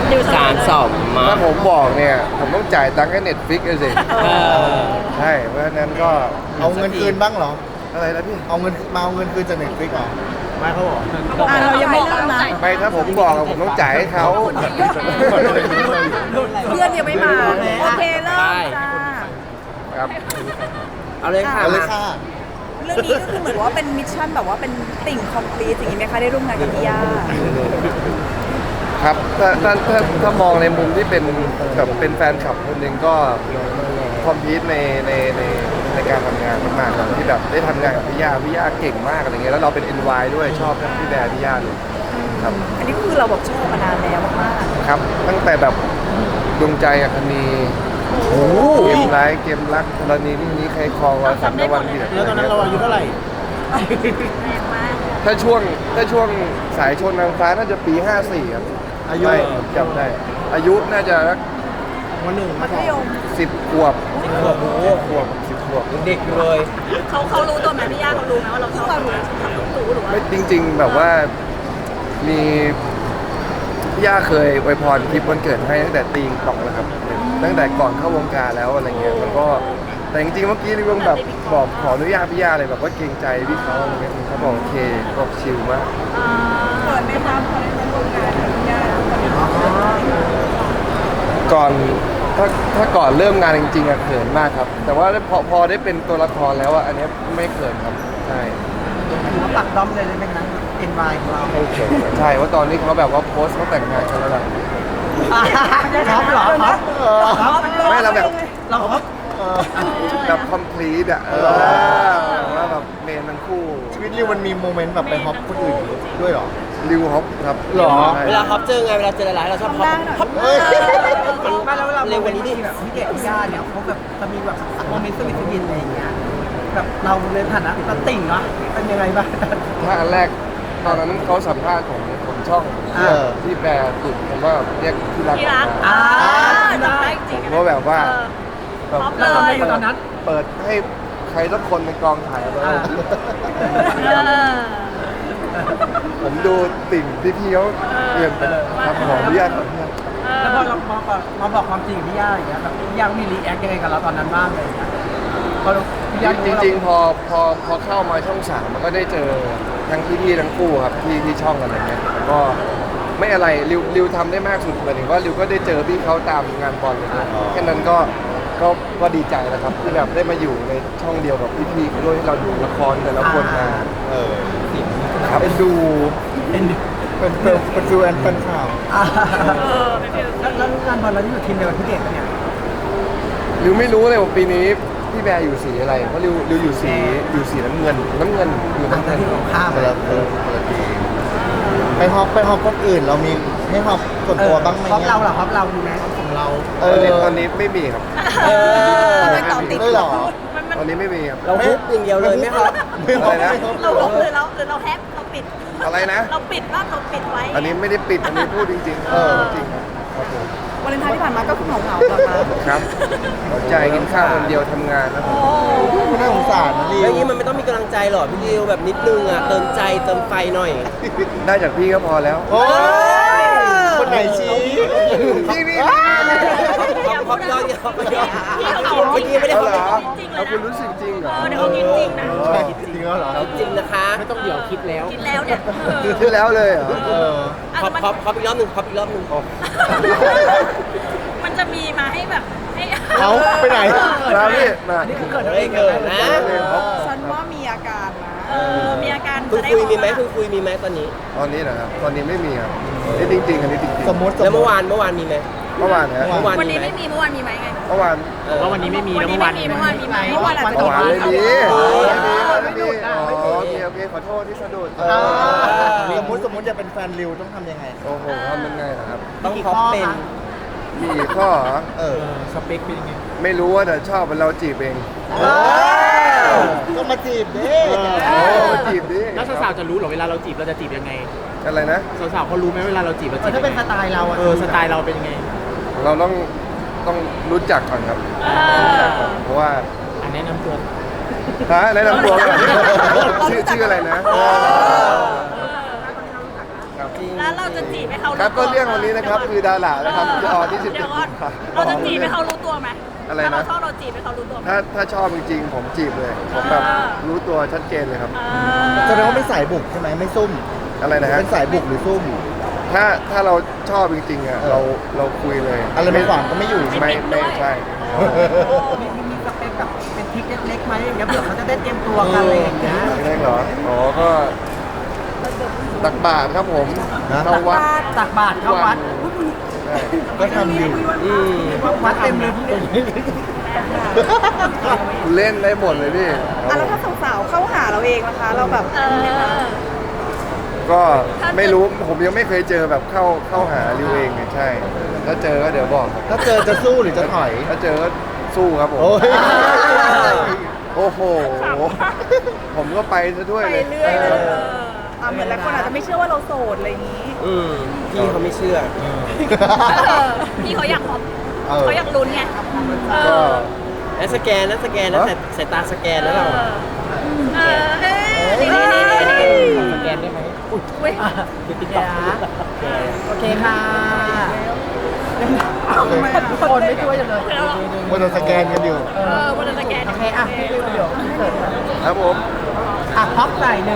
3-2 ถ้าผมบอกเนี่ยผมต้องจ่ายตังค์ให้ Netflix เลยสิใช่เพราะฉะนั้นก็เอาเงินคืนบ้างเหรออะไรนะพี่เอาเงินคืนจาก Netflix เหรอไม่เขาบอกเรายังไม่เริ่มนะไม่ถ้าผมบอกอะผมต้องจ่ายให้เขาเพื่อนยังไม่มาโอเคเริ่มจ้าครับเอาเลยค่ะเอาเลยค่ะเรื่องนี้ก็คือเหมือนว่าเป็นมิชชั่นแบบว่าเป็นติ่งคอมพลีทอย่างนี้ไหมคะได้ร่วมงานกับพี่ย่าครับถ้ามองในมุมที่เป็นแบบเป็นแฟนคลับคนหนึ่งก็คอมพิวต์ในการทำงานมากๆครับที่แบบได้ทำงานกับพี่ย่าเก่งมากอะไรเงี้ยแล้วเราเป็น NY ด้วยชอบทั้งพี่แบร์พี่ย่าเลยครับอันนี้ก็คือเราแบบชอบมานานแล้วมากครับตั้งแต่แบบดวงใจอัคนีเกมร้ายเกมรักกรณีนี้ใครคลองเราสัมในวันเดียวแล้วตอนนั้นเราอายุเท่าไหร่ถ้าช่วงสายชนนางฟ้าน่าจะปี 54 ครับอายุไม่จำได้ อายุน่าจะสักวันหนึ่งๆมัธยม 10 ขวบ10 ขวบเด็กอยู่เลยเขารู้ตัวไหมพี่ย่าเขารู้ไหมว่าเราชอบเขารู้หรือว่าไม่จริง ๆ แบบว่ามีพี่ย่าเคยอวยพรคลิปวันเกิดให้ตั้งแต่ตีงป่องแล้วครับตั้งแต่ก่อนเข้าวงการแล้วอะไรเงี้ยแล้วก็แต่จริงๆเมื่อกี้นี่ก็แบบบอกขออนุญาตพี่ย่าเลยแบบว่าเกรงใจพี่เขาอะไรเงี้ยเขาบอกโอเคบอกชิลมากเปิดไม่ทำเขาได้ร่วมงานกับพี่ย่าก่อนถ้าก่อนเริ่มงานจริงๆอะเขินมากครับ แต่ว่าพอได้เป็นตัวละครแล้วอะอันเนี้ยไม่เขินครับใช่ถือว่าปักด้อมเลยไหมคะ NY ของเราไม่เขินใช่ว่าตอนนี้เขาแบบว่าโพสต์เขาแต่งงานกันแล้วล่ะครับเหรอครับไม่เราแบบเราครับแบบคอมพลีทอะว่าแบบเมนทั้งคู่ชีวิตริวมันมีโมเมนต์แบบไปฮอปคนอื่นด้วยเหรอริวฮอปครับหรอใช่เวลาฮอปเจอไงเวลาเจอหลายๆเราชอบฮอปฮอปเฮ้ยมันเร็วกว่านี้ดิแบบพี่เด็กพี่ย่าเนี่ยเขาแบบจะมีแบบโมเมนต์สวีทสวีทอะไรอย่างเงี้ยแบบเราในฐานะเราติ่งเนาะเป็นยังไงบ้างถ้าอันแรกตอนนั้นเขาสัมภาษณ์ของช่องที่แปลตุดผมว่าเรียกที่รักที่รักออกมาจำได้จริงผมก็แบบว่าแบบเราทำอะไรอยู่ตอนนั้นเปิดให้ใครสักคนในกองถ่ายเลยผมดูติ่งพี่เขาเปลี่ยนไปครับขออนุญาตขออนุญาตแล้วพอเรามาบอกความจริงกับพี่ย่าอย่างเงี้ยแบบพี่ย่ามีรีแอคยังไงกับเราตอนนั้นบ้างอะไรอย่างเงี้ยพอพี่ย่าจริงๆพอเข้ามาช่อง3มันก็ได้เจอทั้งพี่ทั้งคู่ครับที่ช่องอะไรเงี้ยแล้วก็ไม่อะไรริวทำได้มากสุดหมายถึงว่าริวก็ได้เจอพี่เขาตามงานบอลเลยนะแค่นั้นก็ดีใจแล้วครับที่แบบได้มาอยู่ในช่องเดียวกับพี่ๆด้วยที่เราดูละครแต่ละคนมา ครับเป็นดูเป็นฟิวแอนเป็นข่าวแล้วงานบอลเราที่อยู่ทีมเดียวกับพี่เด็กเนี่ยริวไม่รู้เลยว่าปีนี้พี่แบร์อยู่สีอะไรเพราะริวอยู่สีน้ำเงินอยู่น้ำเงินที่ของข้ามคนละทีไปฮอปคนอื่นเรามีให้ฮอปส่วนตัวบ้างไหมฮอปเราเหรอฮอปเรามีไหมของเราตอนนี้ไม่มีครับไม่ตอบติดด้วยเหรอตอนนี้ไม่มีครับเราฮุบอย่างเดียวเลยไหมครับไม่ฮอปอะไรนะไม่ฮอปเราลบเลยแล้วหรือเราแฮปเราปิดอะไรนะเราปิดว่าเราปิดไว้อันนี้ไม่ได้ปิดอันนี้พูดจริงๆจริงครับผมวันเลนไทน์ที่ผ่านมาก็คือเหงาๆเหรอคะครับหัวใจกินข้าวคนเดียวทำงานนะผมน่าสงสารนะริแล้ววอย่างนี้มันไม่ต้องมีกำลังใจหรอพี่ดิวแบบนิดนึงอ่ะเติมใจเติมไฟหน่อยได้จากพี่ก็พอแล้วโอ้ยคนไหนชี้พี่นี่ฮอปย้อนฮอปย้อนพี่เขาเมื่อกี้ไม่ได้เอาฮอปเหรอจริงๆเลเอายคุณนะรู้สึกจริงเหรอเดี๋ยวเขากินจริงนะจริงแล้วเหรอจริงนะคะไม่ต้องเดี๋ยวคิดแล้วกินแล้วเนี่ยที่แล้วเลยเหรอฮอปอีกรอบหนึ่งฮอปอีกรอบหนึ่งมันจะมีมาให้แบบให้เอาไปไหนมาพี่มานี่คือเกิดเฮ้อะไรยขึ้เกิดนนะฉันว่ามีอาการนะมีอาการคุณจะได้คุยมีไหมคุณคุยมีไหมตอนนี้ตอนนี้นะครับตอนนี้ไม่มีครับนี่จริงๆอันนี้จริงๆสมมติแล้วเมื่อวานมีไหมเมื่อวานนะเมื่อวานวันมีนี้ไหมไม่มีเมื่อวานมีไหมไงเมื่อวานว่าวันนี้ไม่มีวันแล้วนี้เมื่อวาไม่นมีเมื่อวานมีไหมเมื่อวานอาจจะเมื่อวานไม่มีไม่มีไม่โอเคขอโทษที่สะดุดสมมติจะเป็นแฟนริวต้องทำยังไงโอ้โหทำยังไงนะครับต้องฮอปเป็นมีกี่ข้อเหรอสเปคเป็นยังไงไม่รู้ว่าแต่ชอบเราจีบเองก็มาจีบดิจีบดิแล้วสาวๆจะรู้เหรอเวลาเราจีบเราจะจีบยังไงอะไรนะสาวๆเขารู้ไหมเวลาเราจีบเราจีบถ้าเป็นสไตล์เราอะสไตล์เราเป็นยังไงเราต้องรู้จักก่อนครับเพราะว่าอันแนะนำตัวแนะนำตัวก่อนชื่ออะไรนะจริงแล้วเราจะจีบให้เขาครับก็เรื่องวันนี้นะครับคือดารานะครับจะออนที่เดี๋ยวก่อน 17 เราจะจีบให้เขารู้ตัวไหมอะไรนะถ้าเราชอบเราจีบให้เขารู้ตัวไหมถ้าชอบจริงๆผมจีบเลยผมแบบรู้ตัวชัดเจนเลยครับแสดงว่าเป็นสายบุกใช่ไหมไม่ซุ่มอะไรนะฮะเป็นสายบุกหรือซุ่มถ้าเราชอบจริงๆอ่ะเราคุยเลยอะไรไม่หวังก็ไม่อยู่ไม่ใช่มีสเปคแบบเป็นทริคเล็กๆไหมอย่างเงี้ยเผื่อเขาจะได้เตรียมตัวกันอะไรอย่างเงี้ยไม่ได้เหรออ๋อก็ตักบาตรครับผมนะเข้าวัดตักบาตรเข้าวัดใช่ก็ทำอยู่วัดเต็มเลยพี่เล่นได้หมดเลยพี่อ่ะแล้วถ้าสาวๆเข้าหาเราเองนะคะ เราแบบก็ไม่รู้ผมยังไม่เคยเจอแบบเข้าหาริวเองเนี่ยใช่ ถ้าเจอก็เดี๋ยวบอกครับถ้าเจอจะสู้หรือจะถอยถ้าเจอก็สู้ครับผมโอ้ยโอ้โห ผมก็ไปซะด้วยไปเลยเรื่อยเลยเหมือนหลายคนอาจจะไม่เชื่อว่าเราโสดอะไรอย่างนี้พี่เขาไม่เชื่อพี่เขาอยากพบเออเขาอยากลุ้นไงก็แล้วสแกนนะสายตาสแกนแล้วเรานี่สแกนได้ไหมอุ้ยโอเคค่ะคนไม่ช่วยจังเลยมันโดนสแกนกันอยู่วันนั้นสแกนโอเคอ่ะพี่เดี๋ยวครับผมพับใส่หนึ่ง